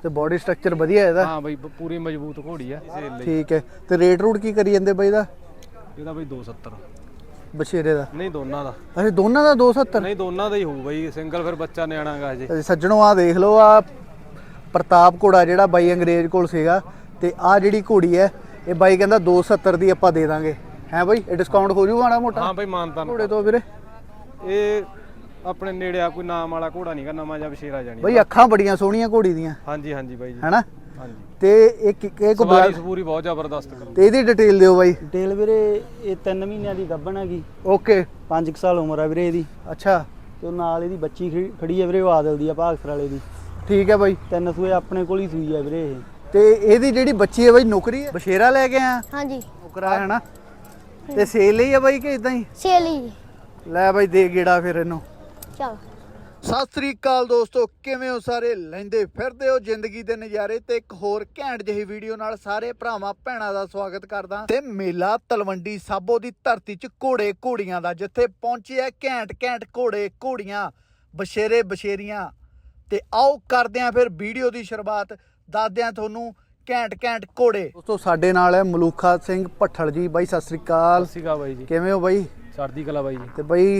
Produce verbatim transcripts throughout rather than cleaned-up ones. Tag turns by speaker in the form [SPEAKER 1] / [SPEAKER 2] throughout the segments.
[SPEAKER 1] ਤੇ body structure ਵਧੀਆ ਇਹਦਾ।
[SPEAKER 2] ਹਾਂ ਬਈ ਪੂਰੀ ਮਜ਼ਬੂਤ ਘੋੜੀ ਆ ਸੇਲ ਲਈ।
[SPEAKER 1] ਠੀਕ ਹੈ ਤੇ ਰੇਟ ਰੂਟ ਕੀ ਕਰੀ ਜਾਂਦੇ ਬਾਈ ਦਾ?
[SPEAKER 2] ਇਹਦਾ ਬਈ ਦੋ ਸੌ ਸੱਤਰ
[SPEAKER 1] ਬਸ਼ੇਰੇ ਦਾ?
[SPEAKER 2] ਨਹੀਂ ਦੋਨਾਂ ਦਾ।
[SPEAKER 1] ਅੱਛਾ ਦੋਨਾਂ ਦਾ ਦੋ ਸੌ ਸੱਤਰ?
[SPEAKER 2] ਨਹੀਂ ਦੋਨਾਂ ਦਾ ਹੀ ਹੋਊ ਬਈ, ਸਿੰਗਲ ਫਿਰ ਬੱਚਾ ਨਿਆਣਾਗਾ ਹਜੇ।
[SPEAKER 1] ਸੱਜਣੋ ਆ ਦੇਖ ਲਓ, ਆ ਪ੍ਰਤਾਪ ਘੋੜਾ ਜਿਹੜਾ ਬਾਈ ਅੰਗਰੇਜ਼ ਕੋਲ ਸੀਗਾ, ਤੇ ਆ ਜਿਹੜੀ ਘੋੜੀ ਹੈ ਇਹ ਬਾਈ ਕਹਿੰਦਾ ਦੋ ਸੌ ਸੱਤਰ ਦੀ ਆਪਾਂ ਦੇ ਦਾਂਗੇ। ਹੈ ਬਾਈ ਇਹ ਡਿਸਕਾਊਂਟ ਹੋ ਜੂਗਾ ਮਾੜਾ ਮੋਟਾ?
[SPEAKER 2] ਹਾਂ ਬਾਈ ਮਾਨਤਾਨ
[SPEAKER 1] ਘੋੜੇ ਤੋਂ ਵੀਰੇ।
[SPEAKER 2] ਇਹ ਆਪਣੇ ਨੇੜੇ ਆ, ਕੋਈ ਨਾਮ ਵਾਲਾ ਘੋੜਾ ਨਹੀਂਗਾ, ਨਵਾਂ ਜਿਹਾ ਬਸ਼ੇਰਾ ਜਾਣੀ
[SPEAKER 1] ਬਾਈ। ਅੱਖਾਂ ਬੜੀਆਂ ਸੋਹਣੀਆਂ ਘੋੜੀ ਦੀਆਂ।
[SPEAKER 2] ਹਾਂਜੀ ਹਾਂਜੀ ਬਾਈ ਜੀ,
[SPEAKER 1] ਹੈਨਾ?
[SPEAKER 2] ਹਾਂਜੀ।
[SPEAKER 1] ਤੇ ਇੱਕ ਇੱਕ
[SPEAKER 2] ਸਵਾਰੀ ਸਪੂਰੀ ਬਹੁਤ ਜ਼ਬਰਦਸਤ ਕਰੂ।
[SPEAKER 1] ਤੇ ਇਹਦੀ ਡਿਟੇਲ ਦਿਓ ਬਾਈ।
[SPEAKER 3] ਡਿਟੇਲ ਵੀਰੇ ਇਹ ਤਿੰਨ ਮਹੀਨਿਆਂ ਦੀ ਗੱਭਣ ਹੈਗੀ।
[SPEAKER 1] ਓਕੇ।
[SPEAKER 3] ਪੰਜ ਸਾਲ ਉਮਰ ਆ ਵੀਰੇ ਇਹਦੀ।
[SPEAKER 1] ਅੱਛਾ।
[SPEAKER 3] ਤੇ ਨਾਲ ਇਹਦੀ ਬੱਚੀ ਖੜੀ ਹੈ ਵੀਰੇ, ਉਹ ਆਦਲ ਦੀ ਆ, ਭਾਗਸਰ ਵਾਲੇ ਦੀ।
[SPEAKER 1] ਠੀਕ ਹੈ ਬਾਈ।
[SPEAKER 3] ਤਿੰਨ ਸੂਏ ਆਪਣੇ ਕੋਲ ਹੀ ਸੂਈ ਆ ਵੀਰੇ ਇਹ।
[SPEAKER 1] ਤੇ ਇਹਦੀ ਜਿਹੜੀ ਬੱਚੀ ਹੈ ਬਾਈ ਨੌਕਰੀ ਹੈ? ਬਸ਼ੇਰਾ ਲੈ ਕੇ ਆਇਆ?
[SPEAKER 4] ਹਾਂਜੀ
[SPEAKER 1] ਨੌਕਰਾ ਹੈ ਨਾ। ਤੇ ਸੇਲ ਲਈ ਆ ਬਾਈ ਕਿ ਇਦਾਂ ਹੀ?
[SPEAKER 4] ਸੇਲ ਹੀ।
[SPEAKER 1] ਲੈ ਬਾਈ ਦੇ ਗੇੜਾ ਫਿਰ ਇਹਨੂੰ।
[SPEAKER 4] ਚਲ
[SPEAKER 1] ਸਤਿ ਸ੍ਰੀ ਅਕਾਲ ਦੋਸਤੋ, ਕਿਵੇਂ ਹੋ ਸਾਰੇ? ਲੈਂਦੇ ਫਿਰਦੇ ਹੋ ਜ਼ਿੰਦਗੀ ਦੇ ਨਜ਼ਾਰੇ। ਤੇ ਇੱਕ ਹੋਰ ਘੈਂਟ ਜਿਹੀ ਵੀਡੀਓ ਨਾਲ ਸਾਰੇ ਭਰਾਵਾਂ ਭੈਣਾਂ ਦਾ ਸਵਾਗਤ ਕਰਦਾ। ਤੇ ਮੇਲਾ ਤਲਵੰਡੀ ਸਾਬੋ ਦੀ ਧਰਤੀ 'ਚ ਘੋੜੇ ਘੋੜੀਆਂ ਦਾ, ਜਿੱਥੇ ਪਹੁੰਚੇ ਆ ਘੈਂਟ ਘੈਂਟ ਘੋੜੇ ਘੋੜੀਆਂ, ਬਸ਼ੇਰੇ ਬਸ਼ੇਰੀਆਂ। ਤੇ ਆਓ ਕਰਦੇ ਆਂ ਫਿਰ ਵੀਡੀਓ ਦੀ ਸ਼ੁਰੂਆਤ, ਦੱਸਦੇ ਆਂ ਤੁਹਾਨੂੰ ਘੈਂਟ ਘੈਂਟ ਘੋੜੇ। ਦੋਸਤੋ ਸਾਡੇ ਨਾਲ ਹੈ ਮਲੂਖਾ ਸਿੰਘ ਭੱਠਲ ਜੀ। ਬਾਈ ਸਤਿ ਸ੍ਰੀ ਅਕਾਲ।
[SPEAKER 2] ਸਤਿ ਸ਼੍ਰੀ ਅਕਾਲ ਬਾਈ ਜੀ,
[SPEAKER 1] ਕਿਵੇਂ ਹੋ ਬਾਈ?
[SPEAKER 2] ਚੜ੍ਹਦੀ ਕਲਾ ਬਾਈ ਜੀ।
[SPEAKER 1] ਤੇ ਬਾਈ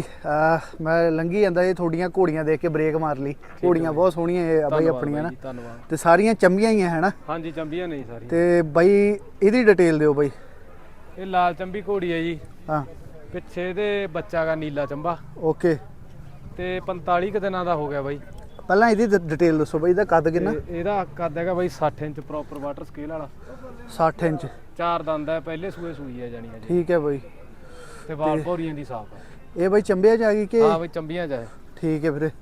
[SPEAKER 1] ਮੈਂ ਲੰਘੀ ਜਾਂਦਾ ਇਹ ਤੁਹਾਡੀਆਂ ਘੋੜੀਆਂ ਦੇਖ ਕੇ ਬ੍ਰੇਕ ਮਾਰ ਲਈ। ਘੋੜੀਆਂ ਬਹੁਤ ਸੋਹਣੀਆਂ ਇਹ ਬਾਈ ਆਪਣੀਆਂ ਨਾ।
[SPEAKER 2] ਧੰਨਵਾਦ।
[SPEAKER 1] ਤੇ ਸਾਰੀਆਂ ਚੰਬੀਆਂ ਹੀ ਆ ਹੈ ਨਾ?
[SPEAKER 2] ਹਾਂਜੀ ਚੰਬੀਆਂ ਨਹੀਂ ਸਾਰੀ।
[SPEAKER 1] ਤੇ ਬਾਈ ਇਹਦੀ ਡਿਟੇਲ ਦਿਓ ਬਾਈ।
[SPEAKER 2] ਇਹ ਲਾਲ ਚੰਬੀ ਘੋੜੀ ਹੈ ਜੀ।
[SPEAKER 1] ਹਾਂ।
[SPEAKER 2] ਪਿੱਛੇ ਇਹਦੇ ਬੱਚਾ ਗਾ ਨੀਲਾ ਚੰਬਾ।
[SPEAKER 1] ਓਕੇ।
[SPEAKER 2] ਤੇ ਪੰਤਾਲੀ ਕੁ ਦਿਨਾਂ ਦਾ ਹੋ ਗਿਆ ਬਾਈ।
[SPEAKER 1] ਪਹਿਲਾਂ ਇਹਦੀ ਡਿਟੇਲ ਦੱਸੋ ਬਾਈ, ਇਹਦਾ ਕੱਦ ਕਿੰਨਾ?
[SPEAKER 2] ਇਹਦਾ ਕੱਦ ਹੈਗਾ ਬਾਈ ਸੱਠ ਇੰਚ ਪ੍ਰੋਪਰ ਵਾਟਰ ਸਕੇਲ ਵਾਲਾ।
[SPEAKER 1] ਸੱਠ ਇੰਚ।
[SPEAKER 2] ਚਾਰ ਦੰਦ ਹੈ, ਪਹਿਲੇ ਸੂਏ ਸੂਈ ਹੈ ਜਾਨੀ ਹੈ ਜੀ।
[SPEAKER 1] ਠੀਕ ਹੈ ਬਾਈ।
[SPEAKER 2] ਤੇ ਵਾਲ ਭੌਰੀਆਂ ਦੀ ਸਾਫ ਹੈ
[SPEAKER 1] ਇਹ ਬਾਈ ਚੰਬਿਆਂ 'ਚ ਆ ਗਈ ਕਿ?
[SPEAKER 2] ਹਾਂ ਬਾਈ ਚੰਬੀਆਂ 'ਚ ਹੈ।
[SPEAKER 1] ਠੀਕ ਹੈ ਵੀਰੇ।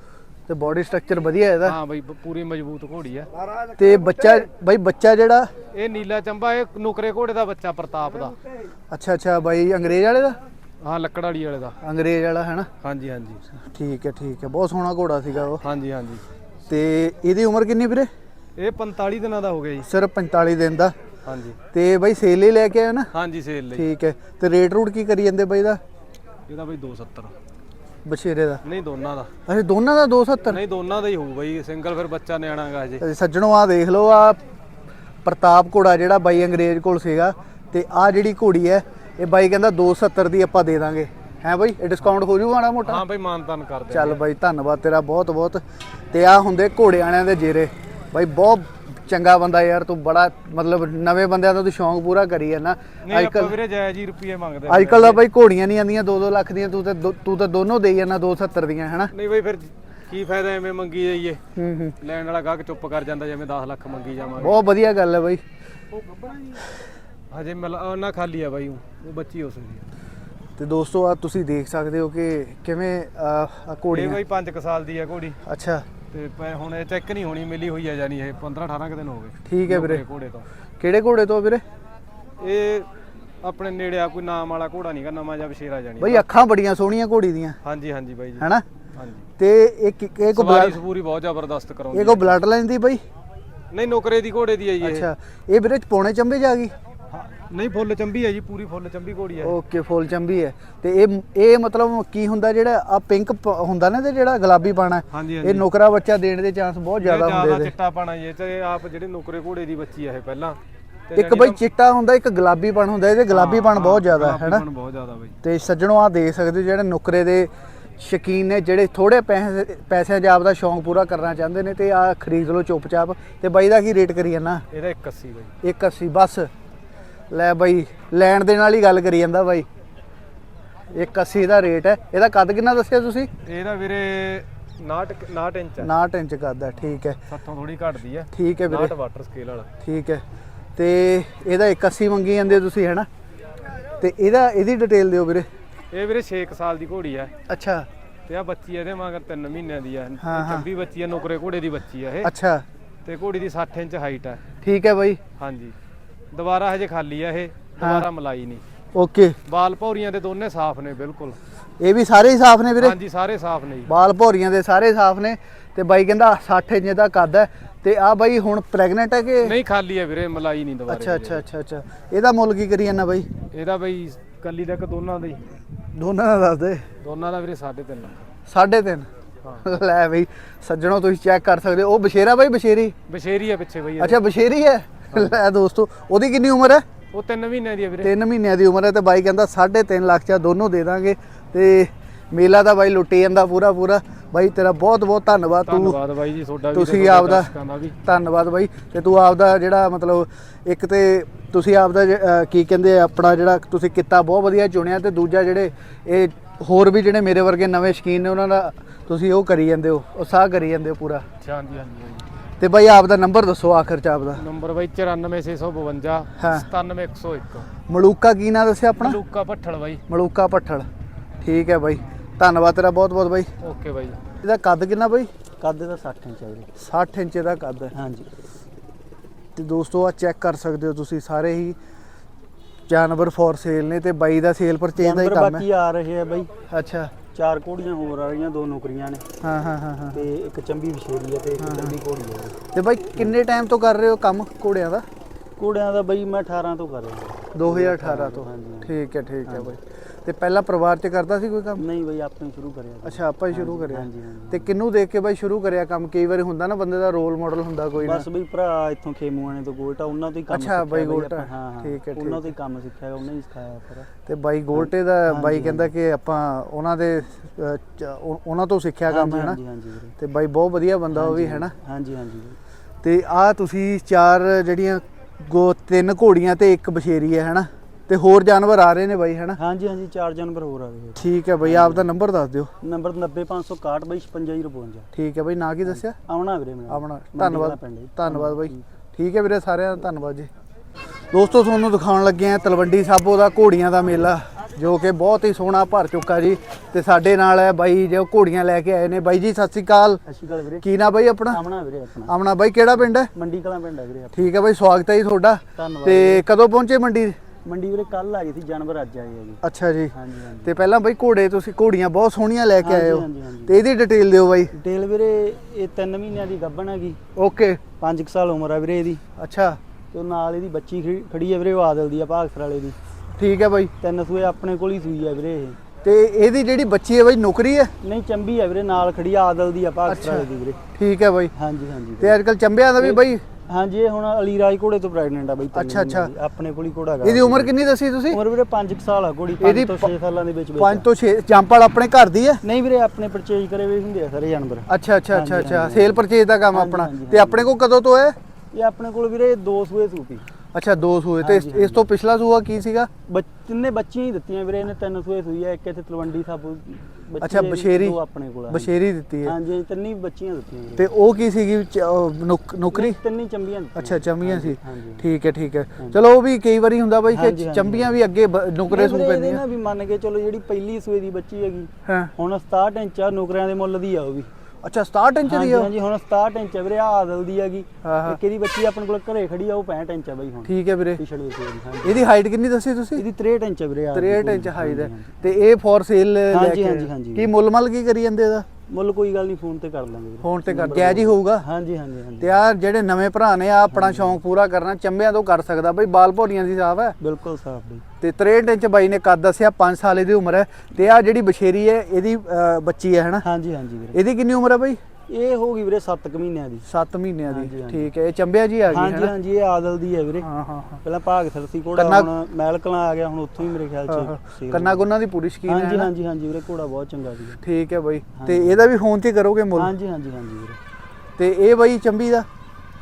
[SPEAKER 1] ਤੇ ਬਾਡੀ ਸਟਰਕਚਰ ਵਧੀਆ ਇਹਦਾ?
[SPEAKER 2] ਹਾਂ ਬਾਈ ਪੂਰੀ ਮਜ਼ਬੂਤ ਘੋੜੀ ਆ।
[SPEAKER 1] ਤੇ ਬੱਚਾ ਬਾਈ, ਬੱਚਾ ਜਿਹੜਾ
[SPEAKER 2] ਇਹ ਨੀਲਾ ਚੰਬਾ, ਇਹ ਨੁਕਰੇ ਘੋੜੇ ਦਾ ਬੱਚਾ ਪ੍ਰਤਾਪ ਦਾ।
[SPEAKER 1] ਅੱਛਾ ਅੱਛਾ ਬਾਈ, ਅੰਗਰੇਜ਼ ਵਾਲੇ ਦਾ?
[SPEAKER 2] ਹਾਂ ਲੱਕੜ ਵਾਲੀ ਵਾਲੇ ਦਾ।
[SPEAKER 1] ਅੰਗਰੇਜ਼ ਵਾਲਾ ਹੈ ਨਾ?
[SPEAKER 2] ਹਾਂਜੀ ਹਾਂਜੀ।
[SPEAKER 1] ਠੀਕ ਹੈ ਠੀਕ ਹੈ, ਬਹੁਤ ਸੋਹਣਾ ਘੋੜਾ ਸੀਗਾ ਉਹ।
[SPEAKER 2] ਹਾਂਜੀ ਹਾਂਜੀ।
[SPEAKER 1] ਤੇ ਇਹਦੀ ਉਮਰ ਕਿੰਨੀ ਵੀਰੇ?
[SPEAKER 2] ਇਹ ਪੰਤਾਲੀ ਦਿਨਾਂ ਦਾ ਹੋ ਗਿਆ ਜੀ।
[SPEAKER 1] ਸਿਰਫ ਪੰਤਾਲੀ ਦਿਨ ਦਾ?
[SPEAKER 2] ਹਾਂਜੀ।
[SPEAKER 1] ਤੇ ਬਾਈ ਸੇਲ ਹੀ ਲੈ ਕੇ ਆਇਆ ਨਾ?
[SPEAKER 2] ਹਾਂਜੀ ਸੇਲ ਲਈ।
[SPEAKER 1] ਠੀਕ ਹੈ। ਤੇ ਰੇਟ ਰੂਟ ਕੀ ਕਰੀ ਜਾਂਦੇ ਬਾਈ ਦਾ?
[SPEAKER 2] ਇਹਦਾ ਬਾਈ ਦੋ ਸੌ ਸੱਤਰ।
[SPEAKER 1] ਬਸ਼ੇਰੇ ਦਾ?
[SPEAKER 2] ਨਹੀਂ ਦੋਨਾਂ ਦਾ।
[SPEAKER 1] ਅੱਛਾ ਦੋਨਾਂ ਦਾ ਦੋ ਸੌ ਸੱਤਰ?
[SPEAKER 2] ਨਹੀਂ ਦੋਨਾਂ ਦਾ ਹੀ ਹੋਊ ਬਾਈ, ਸਿੰਗਲ ਫਿਰ ਬੱਚਾ ਨਿਆਣਾਗਾ ਹਜੇ।
[SPEAKER 1] ਸੱਜਣੋ ਆ ਦੇਖ ਲਓ, ਆ ਪ੍ਰਤਾਪ ਘੋੜਾ ਜਿਹੜਾ ਬਾਈ ਅੰਗਰੇਜ਼ ਕੋਲ ਸੀਗਾ, ਤੇ ਆ ਜਿਹੜੀ ਘੋੜੀ ਹੈ ਇਹ ਬਾਈ ਕਹਿੰਦਾ ਦੋ ਸੌ ਸੱਤਰ ਦੀ ਆਪਾਂ ਦੇ ਦਾਂਗੇ। ਹੈ ਬਾਈ ਇਹ ਡਿਸਕਾਊਂਟ ਹੋ ਜੂਗਾ ਮਾੜਾ ਮੋਟਾ?
[SPEAKER 2] ਹਾਂ ਬਾਈ ਮਾਨਤਾਨ ਕਰਦੇ।
[SPEAKER 1] ਚੱਲ ਬਾਈ ਧੰਨਵਾਦ ਤੇਰਾ ਬਹੁਤ ਬਹੁਤ। ਤੇ ਆ ਹੁੰਦੇ ਘੋੜੇ ਵਾਲਿਆਂ ਦੇ ਜੇਰੇ। ਬਾਈ ਬਹੁਤ ਚੰਗਾ ਬੰਦਾ ਯਾਰ ਤੂੰ, ਬੜਾ ਮਤਲਬ ਨਵੇਂ ਬੰਦਿਆਂ ਦਾ ਤੂੰ ਸ਼ੌਂਕ ਪੂਰਾ ਕਰੀ ਜਾਂਦਾ।
[SPEAKER 2] ਅੱਜ ਕੱਲ ਵੀਰੇ ਜਾਇਜ਼ ਹੀ ਰੁਪਏ ਮੰਗਦੇ
[SPEAKER 1] ਅੱਜ ਕੱਲ ਦਾ ਬਾਈ ਘੋੜੀਆਂ ਨਹੀਂ ਆਉਂਦੀਆਂ ਦੋ ਦੋ ਲੱਖ ਦੀਆਂ, ਤੂੰ ਤੇ ਤੂੰ ਤਾਂ ਦੋਨੋਂ ਦੇਈ ਜਾਂਦਾ ਦੋ ਸੌ ਸੱਤਰ ਦੀਆਂ ਹੈ ਨਾ?
[SPEAKER 2] ਨਹੀਂ ਬਾਈ ਫਿਰ ਕੀ ਫਾਇਦਾ ਐਵੇਂ ਮੰਗੀ ਜਾਈਏ।
[SPEAKER 1] ਹੂੰ ਹੂੰ।
[SPEAKER 2] ਲੈਣ ਵਾਲਾ ਗਾਹਕ ਚੁੱਪ ਕਰ ਜਾਂਦਾ, ਜਿਵੇਂ ਦਸ ਲੱਖ ਮੰਗੀ ਜਾਵਾਂਗੇ।
[SPEAKER 1] ਬਹੁਤ ਵਧੀਆ ਗੱਲ ਹੈ ਬਾਈ।
[SPEAKER 2] ਹਜੇ ਮਿਲ ਉਹਨਾਂ ਖਾਲੀ ਆ ਬਾਈ, ਉਹ ਬੱਚੀ ਉਸ ਦੀ।
[SPEAKER 1] ਤੇ ਦੋਸਤੋ ਆ ਤੁਸੀਂ ਦੇਖ ਸਕਦੇ ਹੋ ਕਿ ਕਿਵੇਂ ਆ ਘੋੜੀ
[SPEAKER 2] ਇਹ ਬਾਈ ਪੰਜ ਕੁ ਸਾਲ ਦੀ ਆ ਘੋੜੀ।
[SPEAKER 1] ਅੱਛਾ।
[SPEAKER 2] ਤੇ ਹੁਣ ਇਹ ਚੈੱਕ ਨਹੀਂ ਹੋਣੀ, ਮਿਲੀ ਹੋਈ ਆ ਜਾਨੀ ਇਹ ਪੰਦਰਾਂ ਅਠਾਰਾਂ ਕੁ ਦਿਨ ਹੋ ਗਏ।
[SPEAKER 1] ਠੀਕ ਹੈ ਵੀਰੇ।
[SPEAKER 2] ਘੋੜੇ ਤੋਂ
[SPEAKER 1] ਕਿਹੜੇ ਘੋੜੇ ਤੋਂ ਵੀਰੇ?
[SPEAKER 2] ਇਹ ਆਪਣੇ ਨੇੜੇ ਆ, ਕੋਈ ਨਾਮ ਵਾਲਾ ਘੋੜਾ ਨਹੀਂਗਾ, ਨਵਾਂ ਜਿਹਾ ਬਸ਼ੇਰਾ ਜਾਣੀ।
[SPEAKER 1] ਬਾਈ ਅੱਖਾਂ ਬੜੀਆਂ ਸੋਹਣੀਆਂ ਘੋੜੀ ਦੀਆਂ।
[SPEAKER 2] ਹਾਂਜੀ ਹਾਂਜੀ ਬਾਈ ਜੀ।
[SPEAKER 1] ਹੈਨਾ?
[SPEAKER 2] ਹਾਂਜੀ।
[SPEAKER 1] ਤੇ ਇੱਕ ਇਹ ਕੋ
[SPEAKER 2] ਸਵਾਰੀ ਸਪੂਰੀ ਬਹੁਤ ਜ਼ਬਰਦਸਤ ਕਰਾਉਂਦੀ।
[SPEAKER 1] ਇਹ ਕੋ ਬਲੱਡ ਲਾਈਨ ਦੀ ਬਾਈ?
[SPEAKER 2] ਨਹੀਂ ਨੁਕਰੇ ਦੀ ਘੋੜੇ ਦੀ ਹੈ ਜੀ ਇਹ।
[SPEAKER 1] ਅੱਛਾ। ਇਹ ਵੀਰੇ ਪੌਣੇ ਚੰਬੇ ਜਾ ਗਈ?
[SPEAKER 2] ਨਹੀਂ ਫੁੱਲ ਚੰਬੀ ਹੈ ਜੀ, ਪੂਰੀ ਫੁੱਲ ਚੰਬੀ ਘੋੜੀ ਹੈ।
[SPEAKER 1] ਓਕੇ ਫੁੱਲ ਚੰਬੀ ਹੈ। ਤੇ ਇਹ ਇਹ ਮਤਲਬ ਕੀ ਹੁੰਦਾ ਜਿਹੜਾ ਆ ਪਿੰਕ ਹੁੰਦਾ ਨਾ ਤੇ ਜਿਹੜਾ ਗੁਲਾਬੀ ਪਾਣਾ, ਇਹ ਨੁਕਰਾ ਬੱਚਾ ਦੇਣ ਦੇ ਚਾਂਸ ਬਹੁਤ ਜ਼ਿਆਦਾ ਹੁੰਦੇ ਨੇ।
[SPEAKER 2] ਚਿੱਟਾ ਪਾਣਾ ਜੀ ਤੇ ਆਪ ਜਿਹੜੇ ਨੁਕਰੇ ਘੋੜੇ ਦੀ ਬੱਚੀ ਹੈ ਇਹ ਪਹਿਲਾਂ।
[SPEAKER 1] ਇੱਕ ਬਾਈ ਚਿੱਟਾ ਹੁੰਦਾ, ਇੱਕ ਗੁਲਾਬੀ ਪਣ ਹੁੰਦਾ, ਇਹਦੇ ਗੁਲਾਬੀ ਪਣ ਬਹੁਤ ਜ਼ਿਆਦਾ ਹੈ ਨਾ?
[SPEAKER 2] ਬਹੁਤ ਜ਼ਿਆਦਾ ਬਾਈ।
[SPEAKER 1] ਤੇ ਸੱਜਣੋ ਆ ਦੇਖ ਸਕਦੇ ਹੋ ਜਿਹੜੇ ਨੁਕਰੇ ਦੇ ਸ਼ੌਕੀਨ ਨੇ, ਜਿਹੜੇ ਥੋੜੇ ਪੈਸੇ ਪੈਸਿਆਂ 'ਚ ਆਪਦਾ ਸ਼ੌਂਕ ਪੂਰਾ ਕਰਨਾ ਚਾਹੁੰਦੇ ਨੇ, ਤੇ ਆ ਖਰੀਦ ਲਓ ਚੁੱਪਚਾਪ। ਤੇ ਬਾਈ ਦਾ ਕੀ ਰੇਟ ਕਰੀ ਜਾਂਦਾ?
[SPEAKER 2] ਇਹਦਾ ਇੱਕ ਅੱਸੀ ਬਾਈ।
[SPEAKER 1] ਇੱਕ ਅੱਸੀ ਬਸ? ਲੈ ਬਾਈ ਲੈਣ ਦੇ ਨਾਲ ਹੀ ਗੱਲ ਕਰੀ ਜਾਂਦਾ ਬਾਈ। ਇੱਕ ਅੱਸੀ ਦਾ ਰੇਟ ਹੈ। ਇਹਦਾ ਕੱਦ ਕਿੰਨਾ ਦੱਸਿਆ ਤੁਸੀਂ?
[SPEAKER 2] ਇਹਦਾ ਵੀਰੇ ਉਨਾਹਠ ਉਨਾਹਠ ਇੰਚ ਹੈ।
[SPEAKER 1] ਉਨਾਹਠ ਇੰਚ ਕੱਦ ਹੈ। ਠੀਕ ਹੈ।
[SPEAKER 2] ਸੱਤੋਂ ਥੋੜੀ ਘਟਦੀ ਹੈ।
[SPEAKER 1] ਠੀਕ ਹੈ ਵੀਰੇ।
[SPEAKER 2] ਉਨਾਹਠ ਵਾਟਰ ਸਕੇਲ ਵਾਲਾ।
[SPEAKER 1] ਠੀਕ ਹੈ। ਤੇ ਇਹਦਾ ਇੱਕ ਅੱਸੀ ਮੰਗੀ ਜਾਂਦੇ ਤੁਸੀਂ ਹੈ ਨਾ? ਤੇ ਇਹਦਾ ਇਹਦੀ ਡਿਟੇਲ ਦਿਓ ਵੀਰੇ।
[SPEAKER 2] ਇਹ ਵੀਰੇ ਛੇ ਕੁ ਸਾਲ ਦੀ ਘੋੜੀ ਹੈ।
[SPEAKER 1] ਅੱਛਾ।
[SPEAKER 2] ਤੇ ਆ ਬੱਚੀ ਇਹਦੇ ਮਗਰ ਤਿੰਨ ਮਹੀਨਿਆਂ ਦੀ ਹੈ। ਚੰਬੀ ਬੱਚੀ ਹੈ, ਨੁਕਰੇ ਘੋੜੇ ਦੀ ਬੱਚੀ ਹੈ ਇਹ।
[SPEAKER 1] ਅੱਛਾ।
[SPEAKER 2] ਤੇ ਘੋੜੀ ਦੀ ਸੱਠ ਇੰਚ ਹਾਈਟ ਹੈ।
[SPEAKER 1] ਠੀਕ ਹੈ ਬਾਈ।
[SPEAKER 2] ਹਾਂਜੀ। ਦੁਬਾਰਾ ਹਜੇ ਖਾਲੀ ਆ ਇਹ, ਦੁਬਾਰਾ ਮਲਾਈ ਨਹੀਂ।
[SPEAKER 1] ਓਕੇ।
[SPEAKER 2] ਬਾਲ ਭੌਰੀਆਂ ਦੇ ਦੋਨੇ ਸਾਫ਼ ਨੇ ਬਿਲਕੁਲ।
[SPEAKER 1] ਇਹ ਵੀ ਸਾਰੇ ਹੀ ਸਾਫ਼ ਨੇ ਵੀਰੇ?
[SPEAKER 2] ਹਾਂਜੀ ਸਾਰੇ ਸਾਫ਼ ਨੇ ਜੀ।
[SPEAKER 1] ਬਾਲ ਭੌਰੀਆਂ ਦੇ ਸਾਰੇ ਸਾਫ਼ ਨੇ। ਤੇ ਬਾਈ ਕਹਿੰਦਾ ਸੱਠ ਇੰਚ ਦਾ ਕੱਦ ਹੈ। ਤੇ ਆ ਬਾਈ ਹੁਣ ਪ੍ਰੈਗਨੈਂਟ ਹੈ ਕਿ
[SPEAKER 2] ਨਹੀਂ? ਖਾਲੀ ਹੈ ਵੀਰੇ, ਮਲਾਈ ਨਹੀਂ ਦੁਬਾਰਾ।
[SPEAKER 1] ਅੱਛਾ ਅੱਛਾ ਅੱਛਾ ਅੱਛਾ। ਇਹਦਾ ਮੁੱਲ ਕੀ ਕਰੀ ਜਾਂਦਾ ਬਾਈ?
[SPEAKER 2] ਇਹਦਾ ਬਾਈ ਕੱਲੀ ਦਾ ਕਿ ਦੋਨਾਂ ਦਾ ਹੀ?
[SPEAKER 1] ਦੋਨਾਂ ਦਾ ਦੱਸ ਦੇ।
[SPEAKER 2] ਦੋਨਾਂ ਦਾ ਵੀਰੇ ਸਾਢੇ ਤਿੰਨ ਲੱਖ।
[SPEAKER 1] ਸਾਢੇ ਤਿੰਨ? ਲੈ ਬਈ ਸੱਜਣੋ ਤੁਸੀਂ ਚੈੱਕ ਕਰ ਸਕਦੇ ਹੋ। ਉਹ ਬਸ਼ੇਰਾ ਬਾਈ ਬਸ਼ੇਰੀ
[SPEAKER 2] ਬਸ਼ੇਰੀ ਆ ਪਿੱਛੇ ਬਈ।
[SPEAKER 1] ਅੱਛਾ ਬਸ਼ੇਰੀ ਹੈ। ਲੈ ਦੋਸਤੋ ਉਹਦੀ ਕਿੰਨੀ ਉਮਰ ਹੈ?
[SPEAKER 2] ਉਹ ਤਿੰਨ ਮਹੀਨਿਆਂ ਦੀ ਆ ਵੀਰੇ।
[SPEAKER 1] ਤਿੰਨ ਮਹੀਨਿਆਂ ਦੀ ਉਮਰ ਹੈ ਤੇ ਬਾਈ ਕਹਿੰਦਾ ਸਾਢੇ ਤਿੰਨ ਲੱਖ ਚ ਦੋਨੋਂ ਦੇ ਦਾਂਗੇ। ਤੇ ਮੇਲਾ ਦਾ ਬਾਈ ਲੁੱਟੇ ਜਾਂਦਾ ਪੂਰਾ ਪੂਰਾ। ਬਾਈ ਤੇਰਾ ਬਹੁਤ ਬਹੁਤ ਧੰਨਵਾਦ। ਤੂੰ
[SPEAKER 2] ਧੰਨਵਾਦ ਬਾਈ ਜੀ ਤੁਹਾਡਾ ਵੀ।
[SPEAKER 1] ਤੁਸੀਂ ਆਪਦਾ ਧੰਨਵਾਦ ਬਾਈ। ਤੇ ਤੂੰ ਆਪਦਾ ਜਿਹੜਾ ਮਤਲਬ ਇੱਕ ਤੇ ਤੁਸੀਂ ਆਪਦਾ ਕੀ ਕਹਿੰਦੇ ਆਪਣਾ ਜਿਹੜਾ ਤੁਸੀਂ ਕੀਤਾ ਬਹੁਤ ਵਧੀਆ ਚੁਣਿਆ। ਤੇ ਦੂਜਾ ਜਿਹੜੇ ਇਹ ਹੋਰ ਵੀ ਜਿਹੜੇ ਮੇਰੇ ਵਰਗੇ ਨਵੇਂ ਸ਼ੌਕੀਨ ਨੇ ਉਹਨਾਂ ਦਾ ਤੁਸੀਂ ਉਹ ਕਰੀ ਜਾਂਦੇ ਹੋ, ਉਤਸ਼ਾਹ ਕਰੀ ਜਾਂਦੇ ਹੋ ਪੂਰਾ।
[SPEAKER 2] ਹਾਂਜੀ ਹਾਂਜੀ।
[SPEAKER 1] ਤੇ ਬਾਈ ਆਪਦਾ ਨੰਬਰ ਦੱਸੋ ਆਖਰ ਚ ਆਪਦਾ।
[SPEAKER 2] ਨੰਬਰ ਬਾਈ ਚੁਰਾਨਵੇਂ ਛੇ ਸੌ ਬਵੰਜਾ ਸਤਾਨਵੇਂ ਇੱਕ ਸੌ ਇੱਕ।
[SPEAKER 1] ਮਲੂਕਾ ਕੀ ਨਾਂ ਦੱਸਿਆ ਆਪਣਾ?
[SPEAKER 2] ਮਲੂਕਾ ਭੱਠਲ ਬਾਈ।
[SPEAKER 1] ਮਲੂਕਾ ਭੱਠਲ। ਠੀਕ ਹੈ ਬਾਈ, ਧੰਨਵਾਦ ਤੇਰਾ ਬਹੁਤ ਬਹੁਤ ਬਾਈ।
[SPEAKER 2] ਓਕੇ ਬਾਈ।
[SPEAKER 1] ਇਹਦਾ ਕੱਦ ਕਿੰਨਾ ਬਾਈ?
[SPEAKER 3] ਕੱਦ ਦਾ ਸੱਠ ਇੰਚ ਹੈ ਵੀਰੇ।
[SPEAKER 1] ਸੱਠ ਇੰਚ ਦਾ ਕੱਦ ਹੈ।
[SPEAKER 3] ਹਾਂਜੀ।
[SPEAKER 1] ਤੇ ਦੋਸਤੋ ਆ ਚੈੱਕ ਕਰ ਸਕਦੇ ਹੋ ਤੁਸੀਂ ਸਾਰੇ ਹੀ ਜਾਨਵਰ ਫੋਰ ਸੇਲ ਨੇ। ਤੇ ਬਾਈ ਦਾ ਸੇਲ ਪਰਚੇਜ ਦਾ ਹੀ ਕੰਮ ਹੈ।
[SPEAKER 3] ਬਾਕੀ ਆ ਰਹੇ ਆ ਬਾਈ।
[SPEAKER 1] ਅੱਛਾ।
[SPEAKER 3] ਚਾਰ ਘੋੜੀਆਂ ਹੋਰ ਆ ਰਹੀਆਂ, ਦੋ ਨੌਕਰੀਆਂ ਨੇ।
[SPEAKER 1] ਹਾਂ ਹਾਂ ਹਾਂ ਹਾਂ।
[SPEAKER 3] ਤੇ ਇੱਕ ਚੰਬੀ ਵਿਸ਼ੇਰੀ ਹੈ ਤੇ ਇੱਕ ਚੰਬੀ ਘੋੜੀ ਹੈ।
[SPEAKER 1] ਤੇ ਬਾਈ ਕਿੰਨੇ ਟਾਈਮ ਤੋਂ ਕਰ ਰਹੇ ਹੋ ਕੰਮ ਘੋੜਿਆਂ ਦਾ?
[SPEAKER 3] ਘੋੜਿਆਂ ਦਾ ਬਾਈ ਮੈਂ ਅਠਾਰਾਂ ਤੋਂ ਕਰ ਰਿਹਾ।
[SPEAKER 1] ਦੋ ਹਜ਼ਾਰ ਅਠਾਰਾਂ ਤੋਂ। ਠੀਕ ਹੈ ਠੀਕ ਹੈ ਬਾਈ। ਤੇ ਪਹਿਲਾਂ ਪਰਿਵਾਰ 'ਚ ਕਰਦਾ ਸੀ ਕੋਈ ਕੰਮ?
[SPEAKER 3] ਨਹੀਂ ਬਾਈ ਆਪਣੇ ਸ਼ੁਰੂ ਕਰਿਆ।
[SPEAKER 1] ਅੱਛਾ ਆਪਾਂ ਹੀ ਸ਼ੁਰੂ ਕਰਿਆ।
[SPEAKER 3] ਹਾਂਜੀ ਹਾਂਜੀ।
[SPEAKER 1] ਤੇ ਕਿੰਨੂੰ ਦੇਖ ਕੇ ਬਾਈ ਸ਼ੁਰੂ ਕਰਿਆ ਕੰਮ? ਕਈ ਵਾਰੀ ਹੁੰਦਾ ਨਾ ਬੰਦੇ ਦਾ ਰੋਲ ਮਾਡਲ ਹੁੰਦਾ ਕੋਈ ਨਾ।
[SPEAKER 3] ਬਸ ਬਈ ਭਰਾ ਇੱਥੋਂ ਖੇਮੂਆਣੇ ਤੋਂ ਗੋਲਟਾ ਉਹਨਾਂ ਤੋਂ ਹੀ ਕੰਮ ਸਿੱਖਿਆ।
[SPEAKER 1] ਅੱਛਾ ਬਾਈ ਗੋਲਟਾ। ਠੀਕ ਹੈ
[SPEAKER 3] ਉਹਨਾਂ ਤੋਂ ਹੀ ਕੰਮ ਸਿੱਖਿਆ, ਉਹਨਾਂ ਹੀ ਸਿਖਾਇਆ ਫਿਰ।
[SPEAKER 1] ਤੇ ਬਾਈ ਗੋਲਟੇ ਦਾ ਬਾਈ ਕਹਿੰਦਾ ਕਿ ਆਪਾਂ ਉਹਨਾਂ ਦੇ ਉਹਨਾਂ ਤੋਂ ਸਿੱਖਿਆ ਕੰਮ ਹੈ ਨਾ।
[SPEAKER 3] ਹਾਂਜੀ ਹਾਂਜੀ ਵੀਰੇ।
[SPEAKER 1] ਤੇ ਬਾਈ ਬਹੁਤ ਵਧੀਆ ਬੰਦਾ ਉਹ ਵੀ ਹੈ ਨਾ।
[SPEAKER 3] ਹਾਂਜੀ ਹਾਂਜੀ।
[SPEAKER 1] ਤੇ ਆ ਤੁਸੀਂ ਚਾਰ ਜਿਹੜੀਆਂ ਗੋ ਤਿੰਨ ਘੋੜੀਆਂ ਤੇ ਇੱਕ ਬਸ਼ੇਰੀ ਹੈ ਹੈਨਾ। ਤੇ ਹੋਰ ਜਾਨਵਰ ਆ ਰਹੇ ਨੇ ਬਾਈ ਹੈਨਾ।
[SPEAKER 3] ਹਾਂਜੀ ਹਾਂਜੀ ਚਾਰ ਜਾਨਵਰ ਹੋਰ ਆ ਰਹੇ।
[SPEAKER 1] ਠੀਕ ਹੈ ਬਾਈ ਆਪ ਦਾ ਨੰਬਰ ਦੱਸ ਦਿਓ।
[SPEAKER 3] ਨੰਬਰ ਨੱਬੇ ਪੰਜ ਸੌ ਇਕਾਹਠ ਬਾਈ ਛਪੰਜਾ ਜ਼ੀਰੋ ਬਵੰਜਾ।
[SPEAKER 1] ਠੀਕ ਹੈ ਬਾਈ ਨਾਂ ਕੀ ਦੱਸਿਆ?
[SPEAKER 3] ਆਉਣਾ ਵੀਰੇ ਮੇਰਾ।
[SPEAKER 1] ਆਪਣਾ ਧੰਨਵਾਦ ਧੰਨਵਾਦ ਬਾਈ। ਠੀਕ ਹੈ ਵੀਰੇ ਸਾਰਿਆਂ ਦਾ ਧੰਨਵਾਦ ਜੀ। ਦੋਸਤੋ ਤੁਹਾਨੂੰ ਦਿਖਾਉਣ ਲੱਗੇ ਆ ਤਲਵੰਡੀ ਸਾਬੋ ਦਾ ਘੋੜੀਆਂ ਦਾ ਮੇਲਾ ਜੋ ਕਿ ਬਹੁਤ ਹੀ ਸੋਹਣਾ ਭਰ ਚੁੱਕਾ ਜੀ। ਤੇ ਸਾਡੇ ਨਾਲ ਹੈ ਬਾਈ ਜੋ ਘੋੜੀਆਂ ਲੈ ਕੇ ਆਏ ਨੇ। ਬਾਈ ਜੀ ਸਤਿ ਸ਼੍ਰੀ ਅਕਾਲ।
[SPEAKER 3] ਸਤਿ ਸ਼੍ਰੀ ਅਕਾਲ ਵੀਰੇ।
[SPEAKER 1] ਕੀ ਨਾਂ ਬਾਈ ਆਪਣਾ?
[SPEAKER 3] ਆਮਣਾ ਵੀਰੇ ਆਪਣਾ।
[SPEAKER 1] ਆਮਣਾ ਬਾਈ ਕਿਹੜਾ ਪਿੰਡ ਹੈ?
[SPEAKER 3] ਮੰਡੀ ਕਲਾਂ ਪਿੰਡ ਹੈ ਵੀਰੇ।
[SPEAKER 1] ਠੀਕ ਹੈ ਬਾਈ ਸਵਾਗਤ ਹੈ ਜੀ ਤੁਹਾਡਾ।
[SPEAKER 3] ਧੰਨਵਾਦ।
[SPEAKER 1] ਤੇ ਕਦੋਂ ਪਹੁੰਚੇ ਮੰਡੀ?
[SPEAKER 3] ਮੰਡੀ ਵੀਰੇ ਕੱਲ ਆ ਗਈ ਸੀ, ਜਾਨਵਰ ਅੱਜ ਆਏ ਆ ਜੀ।
[SPEAKER 1] ਅੱਛਾ ਜੀ।
[SPEAKER 3] ਹਾਂਜੀ ਹਾਂਜੀ।
[SPEAKER 1] ਤੇ ਪਹਿਲਾਂ ਬਾਈ ਘੋੜੇ ਤੁਸੀਂ ਘੋੜੀਆਂ ਬਹੁਤ ਸੋਹਣੀਆਂ ਲੈ ਕੇ ਆਏ ਹੋ।
[SPEAKER 3] ਹਾਂਜੀ ਹਾਂਜੀ।
[SPEAKER 1] ਤੇ ਇਹਦੀ ਡਿਟੇਲ ਦਿਓ ਬਾਈ।
[SPEAKER 3] ਡਿਟੇਲ ਵੀਰੇ ਇਹ ਤਿੰਨ ਮਹੀਨਿਆਂ ਦੀ ਗੱਭਣ ਹੈਗੀ।
[SPEAKER 1] ਓਕੇ।
[SPEAKER 3] ਪੰਜ ਕੁ ਸਾਲ ਉਮਰ ਆ ਵੀਰੇ ਇਹਦੀ।
[SPEAKER 1] ਅੱਛਾ।
[SPEAKER 3] ਤੇ ਨਾਲ ਇਹਦੀ ਬੱਚੀ ਖੜੀ- ਖੜੀ ਹੈ ਵੀਰੇ, ਉਹ ਆਦਲ ਦੀ ਆ ਭਾਗਸਰ ਵਾਲੇ ਦੀ।
[SPEAKER 1] ਠੀਕ ਹੈ ਬਾਈ।
[SPEAKER 3] ਤਿੰਨ ਸੂਏ ਆਪਣੇ ਕੋਲ ਹੀ ਸੂਈ ਆ ਵੀਰੇ ਇਹ।
[SPEAKER 1] ਤੇ ਇਹਦੀ ਜਿਹੜੀ ਬੱਚੀ ਹੈ ਬਾਈ ਨੌਕਰੀ ਹੈ?
[SPEAKER 3] ਨਹੀਂ ਚੰਬੀ ਆ ਵੀਰੇ, ਨਾਲ ਖੜੀ ਆ ਆਦਲ ਦੀ ਆ ਭਾਗਸਰ ਵਾਲੇ ਦੀ ਵੀਰੇ।
[SPEAKER 1] ਠੀਕ ਹੈ ਬਾਈ।
[SPEAKER 3] ਹਾਂਜੀ ਹਾਂਜੀ।
[SPEAKER 1] ਤੇ ਅੱਜ ਕੱਲ ਚੰਬਿਆਂ ਦਾ ਵੀ ਬਾਈ?
[SPEAKER 3] ਹਾਂਜੀ ਇਹ ਹੁਣ ਅਲੀਰਾਜ ਘੋੜੇ ਤੋਂ ਪ੍ਰੈਗਨੈਂਟ ਆ ਬਾਈ।
[SPEAKER 1] ਅੱਛਾ ਅੱਛਾ।
[SPEAKER 3] ਆਪਣੇ ਕੋਲ ਹੀ ਘੋੜਾ ਗਾ।
[SPEAKER 1] ਇਹਦੀ ਉਮਰ ਕਿੰਨੀ ਦੱਸੀ ਤੁਸੀਂ?
[SPEAKER 3] ਉਮਰ ਵੀਰੇ ਪੰਜ ਕੁ ਸਾਲ ਆ ਘੋੜੀ। ਪੰਜ ਤੋਂ ਛੇ ਸਾਲਾਂ ਦੇ ਵਿੱਚ ਵਿੱਚ।
[SPEAKER 1] ਪੰਜ ਤੋਂ ਛੇ। ਜੰਪਲ ਆਪਣੇ ਘਰ ਦੀ ਹੈ?
[SPEAKER 3] ਨਹੀਂ ਵੀਰੇ ਆਪਣੇ ਪਰਚੇਜ ਕਰੇ ਹੋਏ ਹੁੰਦੇ ਆ ਸਾਰੇ ਜਾਨਵਰ।
[SPEAKER 1] ਅੱਛਾ ਅੱਛਾ ਅੱਛਾ ਅੱਛਾ। ਸੇਲ ਪਰਚੇਜ ਦਾ ਕੰਮ ਆਪਣਾ। ਤੇ ਆਪਣੇ ਕੋਲ ਕਦੋਂ ਤੋਂ ਹੈ
[SPEAKER 3] ਇਹ? ਆਪਣੇ ਕੋਲ ਵੀਰੇ ਦੋ ਸੂਏ ਸੂਪੀ।
[SPEAKER 1] ਅੱਛਾ ਦੋ ਸੂਏ। ਤੇ ਇਸ ਤੋਂ ਪਿਛਲਾ ਸੂਆ ਕੀ ਸੀਗਾ?
[SPEAKER 3] ਤਿੰਨੇ ਬੱਚੀਆਂ ਹੀ ਦਿੱਤੀਆਂ ਵੀਰੇ ਇਹਨੇ। ਤਿੰਨ ਸੂਏ ਸੂਈ ਆ, ਇੱਕ ਇੱਥੇ ਤਲਵੰਡੀ ਸਾਬੋ ਬੱਚੀ।
[SPEAKER 1] ਅੱਛਾ ਬਸ਼ੇਰੀ।
[SPEAKER 3] ਦੋ ਆਪਣੇ ਕੋਲ।
[SPEAKER 1] ਬਸ਼ੇਰੀ ਦਿੱਤੀ ਹੈ।
[SPEAKER 3] ਹਾਂਜੀ ਤਿੰਨੇ ਬੱਚੀਆਂ ਦਿੱਤੀਆਂ ਵੀਰੇ।
[SPEAKER 1] ਤੇ ਉਹ ਕੀ ਸੀਗੀ ਨੌਕਰੀ?
[SPEAKER 3] ਤਿੰਨੇ ਚੰਬੀਆਂ ਦਿੱਤੀਆਂ।
[SPEAKER 1] ਅੱਛਾ ਚੰਬੀਆਂ ਸੀ। ਠੀਕ ਹੈ ਠੀਕ ਹੈ। ਚਲੋ ਉਹ ਵੀ ਕਈ ਵਾਰੀ ਹੁੰਦਾ ਬਾਈ ਕਿ ਚੰਬੀਆਂ ਵੀ ਅੱਗੇ ਨੁਕਰੇ ਸੂ ਪੈਂਦੀਆਂ
[SPEAKER 3] ਨਾ। ਵੀ ਮੰਨ ਕੇ ਚਲੋ ਜਿਹੜੀ ਪਹਿਲੀ ਸੂਏ ਦੀ ਬੱਚੀ ਹੈਗੀ
[SPEAKER 1] ਹਾਂ
[SPEAKER 3] ਹੁਣ ਸਤਾਹਠ ਇੰਚ ਆ, ਨੌਕਰਿਆਂ ਦੇ ਮੁੱਲ ਦੀ ਆ ਉਹ ਵੀ।
[SPEAKER 1] ਅੱਛਾ ਸਤਾਹਠ ਇੰਚ ਦੀ ਆ?
[SPEAKER 3] ਹਾਂਜੀ ਹੁਣ ਸਤਾਹਠ ਇੰਚ ਆ ਵੀਰੇ। ਆ ਆਦਲ ਦੀ ਹੈਗੀ। ਇੱਕ ਇਹਦੀ ਬੱਚੀ ਆਪਣੇ ਕੋਲ ਘਰੇ ਖੜੀ ਆ, ਉਹ ਪੈਂਹਠ ਇੰਚ ਆ ਬਾਈ ਹੁਣ।
[SPEAKER 1] ਠੀਕ ਹੈ ਵੀਰੇ।
[SPEAKER 3] ਪਿਛਲੇ ਸੂਏ ਦੀ। ਹਾਂਜੀ
[SPEAKER 1] ਇਹਦੀ ਹਾਈਟ ਕਿੰਨੀ ਦੱਸੀ ਤੁਸੀਂ?
[SPEAKER 3] ਇਹਦੀ ਤ੍ਰੇਹਠ ਇੰਚ ਆ ਵੀਰੇ।
[SPEAKER 1] ਤ੍ਰੇਹਠ ਇੰਚ ਹਾਈਟ ਹੈ। ਤੇ ਇਹ ਫੋਰ ਸੇਲ ਲੈ
[SPEAKER 3] ਹਾਂਜੀ
[SPEAKER 1] ਕੇ?
[SPEAKER 3] ਹਾਂਜੀ ਹਾਂਜੀ।
[SPEAKER 1] ਕੀ ਮੁੱਲ ਮਲ ਕੀ ਕਰੀ ਜਾਂਦੇ ਇਹਦਾ?
[SPEAKER 3] ਮੁੱਲ ਕੋਈ ਗੱਲ ਨਹੀਂ, ਫੋਨ ਤੇ ਕਰ ਲਾਂਗੇ।
[SPEAKER 1] ਫੋਨ ਤੇ ਕਰ ਜਾਇਜ਼ ਹੀ ਹੋਊਗਾ?
[SPEAKER 3] ਹਾਂਜੀ ਹਾਂਜੀ ਹਾਂਜੀ।
[SPEAKER 1] ਤੇ ਆ ਜਿਹੜੇ ਨਵੇਂ ਭਰਾ ਨੇ ਆ ਆਪਣਾ ਸ਼ੌਂਕ ਪੂਰਾ ਕਰਨਾ ਚੰਬਿਆਂ ਤੋਂ ਕਰ ਸਕਦਾ ਬਾਈ। ਬਾਲ ਭੋਰੀਆਂ ਦੀ ਸਾਫ ਹੈ
[SPEAKER 3] ਬਿਲਕੁਲ ਸਾਫ ਬਾਈ।
[SPEAKER 1] ਤੇ ਤ੍ਰੇਹਠ ਇੰਚ ਬਾਈ ਨੇ ਕੱਦ ਦੱਸਿਆ। ਪੰਜ ਸਾਲ ਦੀ ਉਮਰ ਹੈ। ਤੇ ਆ ਜਿਹੜੀ ਬਸ਼ੇਰੀ ਹੈ ਇਹਦੀ ਬੱਚੀ ਹੈ ਹੈਨਾ?
[SPEAKER 3] ਹਾਂਜੀ ਹਾਂਜੀ ਵੀਰੇ।
[SPEAKER 1] ਇਹਦੀ ਕਿੰਨੀ ਉਮਰ ਹੈ ਬਾਈ?
[SPEAKER 3] ਇਹ ਹੋ ਗਈ ਵੀਰੇ ਸੱਤ ਕੁ ਮਹੀਨਿਆਂ ਦੀ।
[SPEAKER 1] ਸੱਤ ਮਹੀਨਿਆਂ ਦੀ। ਠੀਕ ਹੈ। ਇਹ ਚੰਬਿਆਂ ਜੀ ਆ ਗਈ
[SPEAKER 3] ਹਾਂਜੀ ਹਾਂਜੀ। ਇਹ ਆਦਲ ਦੀ ਹੈ ਵੀਰੇ।
[SPEAKER 1] ਹਾਂ ਹਾਂ।
[SPEAKER 3] ਪਹਿਲਾਂ ਭਾਗਸਰ ਸੀ ਘੋੜਾ, ਹੁਣ ਮਹਿਲ ਕਲਾਂ ਆ ਗਿਆ, ਹੁਣ ਉੱਥੋਂ ਹੀ ਮੇਰੇ ਖਿਆਲ ਚ।
[SPEAKER 1] ਕੰਨਾ ਗੁੰਨਾ ਦੀ ਪੂਰੀ ਸ਼ਕੀਨ ਹੈ?
[SPEAKER 3] ਹਾਂਜੀ ਹਾਂਜੀ ਹਾਂਜੀ ਵੀਰੇ ਘੋੜਾ ਬਹੁਤ ਚੰਗਾ ਸੀ।
[SPEAKER 1] ਠੀਕ ਹੈ ਬਾਈ। ਤੇ ਇਹਦਾ ਵੀ ਫੋਨ ਤੇ ਕਰੋਗੇ ਮੁੱਲ?
[SPEAKER 3] ਹਾਂਜੀ ਹਾਂਜੀ ਹਾਂਜੀ ਵੀਰੇ।
[SPEAKER 1] ਤੇ ਇਹ ਬਾਈ ਚੰਬੀ ਦਾ?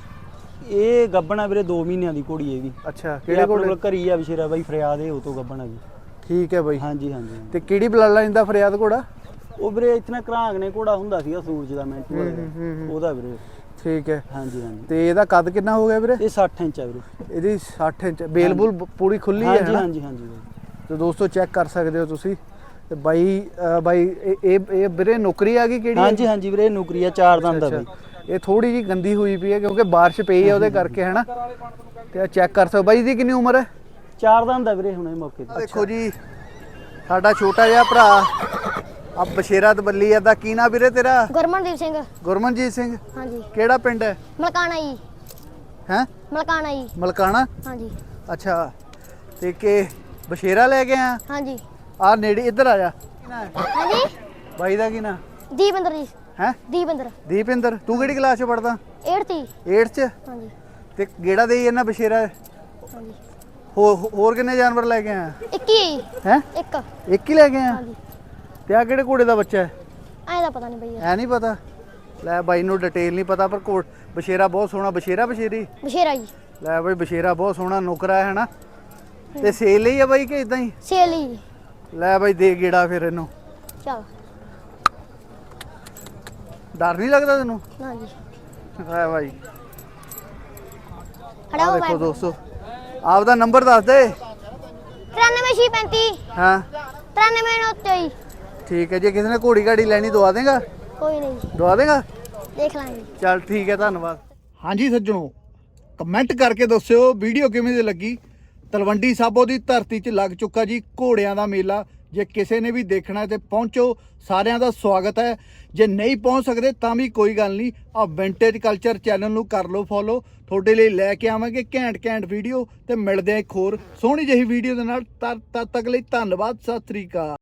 [SPEAKER 3] ਇਹ ਗੱਬਣਾ ਵੀਰੇ ਦੋ ਮਹੀਨਿਆਂ ਦੀ ਘੋੜੀ ਇਹਦੀ।
[SPEAKER 1] ਅੱਛਾ
[SPEAKER 3] ਕਿਹੜੇ ਕੋਲ ਘਰੀ ਆ ਵਿਸ਼ੇਰਾ ਬਾਈ ਫਰਿਆਦ ਇਹ ਉਹ ਤੋਂ ਗੱਬਣਾ ਜੀ।
[SPEAKER 1] ਠੀਕ ਹੈ ਬਾਈ।
[SPEAKER 3] ਹਾਂਜੀ ਹਾਂਜੀ।
[SPEAKER 1] ਤੇ ਕਿਹੜੀ ਬਲੱਡ ਲਾਈਨ ਦਾ ਫਰਿਆਦ ਘੋੜਾ?
[SPEAKER 3] ਉਹ ਵੀਰੇ ਇਤਨਾ ਘਰਾਂਗ ਨੇ ਘੋੜਾ ਹੁੰਦਾ ਸੀਗਾ ਸੂਰਜ ਦਾ ਮਿੰਟ ਉਹਦਾ ਵੀਰੇ।
[SPEAKER 1] ਠੀਕ ਹੈ।
[SPEAKER 3] ਹਾਂਜੀ ਹਾਂਜੀ।
[SPEAKER 1] ਤੇ ਇਹਦਾ ਕੱਦ ਕਿੰਨਾ ਹੋ ਗਿਆ ਵੀਰੇ?
[SPEAKER 3] ਇਹ ਸੱਠ ਇੰਚ ਆ ਵੀਰੇ।
[SPEAKER 1] ਇਹਦੀ ਸੱਠ ਇੰਚ। ਬੇਲਬੁਲ ਪੂਰੀ ਖੁੱਲੀ ਹੈ?
[SPEAKER 3] ਹਾਂਜੀ ਹਾਂਜੀ ਹਾਂਜੀ।
[SPEAKER 1] ਤੇ ਦੋਸਤੋ ਚੈੱਕ ਕਰ ਸਕਦੇ ਹੋ ਤੁਸੀਂ। ਤੇ ਬਾਈ ਬਾਈ ਇਹ ਇਹ ਵੀਰੇ ਨੌਕਰੀ ਆ ਗਈ ਕਿਹੜੀ?
[SPEAKER 3] ਹਾਂਜੀ ਹਾਂਜੀ ਵੀਰੇ ਨੌਕਰੀ ਆ, ਚਾਰ ਦੰਦ ਆ ਬਾਈ।
[SPEAKER 1] ਇਹ ਥੋੜੀ ਜੀ ਗੰਦੀ ਹੋਈ ਪਈ ਹੈ ਕਿਉਂਕਿ ਬਾਰਿਸ਼ ਪਈ ਹੈ ਉਹਦੇ ਕਰਕੇ ਹੈਨਾ। ਤੇ ਆ ਚੈੱਕ ਕਰ ਸਕਦੇ ਬਾਈ ਦੀ ਕਿੰਨੀ ਉਮਰ ਹੈ?
[SPEAKER 3] ਚਾਰ ਦੰਦ ਆ ਵੀਰੇ ਹੁਣੇ ਮੌਕੇ ਤੇ।
[SPEAKER 1] ਦੇਖੋ ਜੀ ਸਾਡਾ ਛੋਟਾ ਜਿਹਾ ਭਰਾ ਆ ਬਸ਼ੇਰਾ ਤਬੱਲੀ ਦਾ ਕੀ ਨਾਂ ਵੀਰੇ ਤੇਰਾ?
[SPEAKER 4] ਗੁਰਮਨਦੀਪ ਸਿੰਘ।
[SPEAKER 1] ਗੁਰਮਨਜੀਤ ਸਿੰਘ।
[SPEAKER 4] ਹਾਂਜੀ।
[SPEAKER 1] ਕਿਹੜਾ ਪਿੰਡ ਹੈ?
[SPEAKER 4] ਮਲਕਾਣਾ ਜੀ।
[SPEAKER 1] ਹੈ
[SPEAKER 4] ਮਲਕਾਣਾ ਜੀ।
[SPEAKER 1] ਮਲਕਾਣਾ?
[SPEAKER 4] ਹਾਂਜੀ।
[SPEAKER 1] ਅੱਛਾ। ਤੇ ਕਿ ਬਸ਼ੇਰਾ ਲੈ ਕੇ ਆ?
[SPEAKER 4] ਹਾਂਜੀ।
[SPEAKER 1] ਆ ਨੇੜੇ ਇੱਧਰ ਆ ਜਾ।
[SPEAKER 4] ਹਾਂਜੀ।
[SPEAKER 1] ਬਾਈ ਦਾ ਕੀ ਨਾਂ?
[SPEAKER 4] ਦੀਪਿੰਦਰ ਜੀ।
[SPEAKER 1] ਹੈ
[SPEAKER 4] ਦੀਪਿੰਦਰ
[SPEAKER 1] ਦੀਪਿੰਦਰ ਤੂੰ ਕਿਹੜੀ ਕਲਾਸ 'ਚ ਪੜਦਾ
[SPEAKER 4] ਅੱਠ ਤੀ
[SPEAKER 1] ਅੱਠ 'ਚ
[SPEAKER 4] ਹਾਂਜੀ
[SPEAKER 1] ਤੇ ਗੇੜਾ ਦੇਈ ਇਹਨਾਂ ਬਸ਼ੇਰਾ
[SPEAKER 4] ਹਾਂਜੀ
[SPEAKER 1] ਹੋ ਹੋਰ ਕਿੰਨੇ ਜਾਨਵਰ ਲੈ ਕੇ ਆਇਆ
[SPEAKER 4] ਇੱਕੀ
[SPEAKER 1] ਹੈ
[SPEAKER 4] ਇੱਕ
[SPEAKER 1] ਇੱਕ ਹੀ ਲੈ ਕੇ ਆਇਆ
[SPEAKER 4] ਹਾਂਜੀ
[SPEAKER 1] ਤੇ ਆ ਕਿਹੜੇ ਘੋੜੇ ਦਾ ਬੱਚਾ ਹੈ
[SPEAKER 4] ਐਂ ਦਾ ਪਤਾ ਨਹੀਂ ਬਈ
[SPEAKER 1] ਐ ਨਹੀਂ ਪਤਾ ਲੈ ਬਾਈ ਨੂੰ ਡਿਟੇਲ ਨਹੀਂ ਪਤਾ ਪਰ ਘੋੜ ਬਸ਼ੇਰਾ ਬਹੁਤ ਸੋਹਣਾ ਬਸ਼ੇਰਾ ਬਸ਼ੇਰੀ
[SPEAKER 4] ਬਸ਼ੇਰਾ ਜੀ
[SPEAKER 1] ਲੈ ਬਾਈ ਬਸ਼ੇਰਾ ਬਹੁਤ ਸੋਹਣਾ ਨੁਕਰਾ ਹੈ ਹਨਾ ਤੇ ਸੇਲ ਲਈ ਆ ਬਾਈ ਕਿ ਇਦਾਂ ਹੀ
[SPEAKER 4] ਸੇਲੀ
[SPEAKER 1] ਲੈ ਬਾਈ ਦੇ ਗੇੜਾ ਫਿਰ ਇਹਨੂੰ
[SPEAKER 4] ਚਲ
[SPEAKER 1] ਡਰ ਨਹੀਂ ਲੱਗਦਾ ਤੈਨੂੰ
[SPEAKER 4] ਨਾ ਜੀ
[SPEAKER 1] ਲੈ ਬਾਈ
[SPEAKER 4] ਖੜਾ
[SPEAKER 1] ਆ
[SPEAKER 4] ਹੋ
[SPEAKER 1] ਦੇਖੋ ਦੋਸਤੋ ਆਪਦਾ ਨੰਬਰ ਦੱਸ ਦੇ
[SPEAKER 4] ਤਰਾਨਵੇਂ ਛੇ ਪੈਂਤੀ
[SPEAKER 1] ਹਾਂ
[SPEAKER 4] ਤਰਾਨਵੇਂ ਨੌ ਤੇਈ
[SPEAKER 1] ਠੀਕ ਹੈ ਜੇ ਕਿਸੇ ਨੇ ਘੋੜੀ ਗਾੜੀ ਲੈਣੀ ਦਵਾ ਦੇਗਾ
[SPEAKER 4] ਕੋਈ ਨਹੀਂ
[SPEAKER 1] ਦਵਾ ਦੇਗਾ
[SPEAKER 4] ਦੇਖ ਲਾਂਗੇ
[SPEAKER 1] ਚੱਲ ਠੀਕ ਹੈ ਧੰਨਵਾਦ ਹਾਂਜੀ ਸੱਜਣੋ ਕਮੈਂਟ ਕਰਕੇ ਦੱਸਿਓ ਵੀਡੀਓ ਕਿਵੇਂ ਦੀ ਲੱਗੀ ਤਲਵੰਡੀ ਸਾਬੋ ਦੀ ਧਰਤੀ 'ਚ ਲੱਗ ਚੁੱਕਾ ਜੀ ਘੋੜਿਆਂ ਦਾ ਮੇਲਾ ਜੇ ਕਿਸੇ ਨੇ ਵੀ ਦੇਖਣਾ ਤੇ ਪਹੁੰਚੋ ਸਾਰਿਆਂ ਦਾ ਸਵਾਗਤ ਹੈ ਜੇ ਨਹੀਂ ਪਹੁੰਚ ਸਕਦੇ ਤਾਂ ਵੀ ਕੋਈ ਗੱਲ ਨਹੀਂ ਆ ਵਿੰਟੇਜ ਕਲਚਰ ਚੈਨਲ ਨੂੰ ਕਰ ਲਓ ਫੋਲੋ ਤੁਹਾਡੇ ਲਈ ਲੈ ਕੇ ਆਵਾਂਗੇ ਘੈਂਟ ਘੈਂਟ ਵੀਡੀਓ ਤੇ ਮਿਲਦੇ ਆ ਇੱਕ ਹੋਰ ਸੋਹਣੀ ਜਿਹੀ ਵੀਡੀਓ ਦੇ ਨਾਲ ਤਦ ਤਦ ਤੱਕ ਲਈ ਧੰਨਵਾਦ ਸਤਿ ਸ੍ਰੀ ਅਕਾਲ।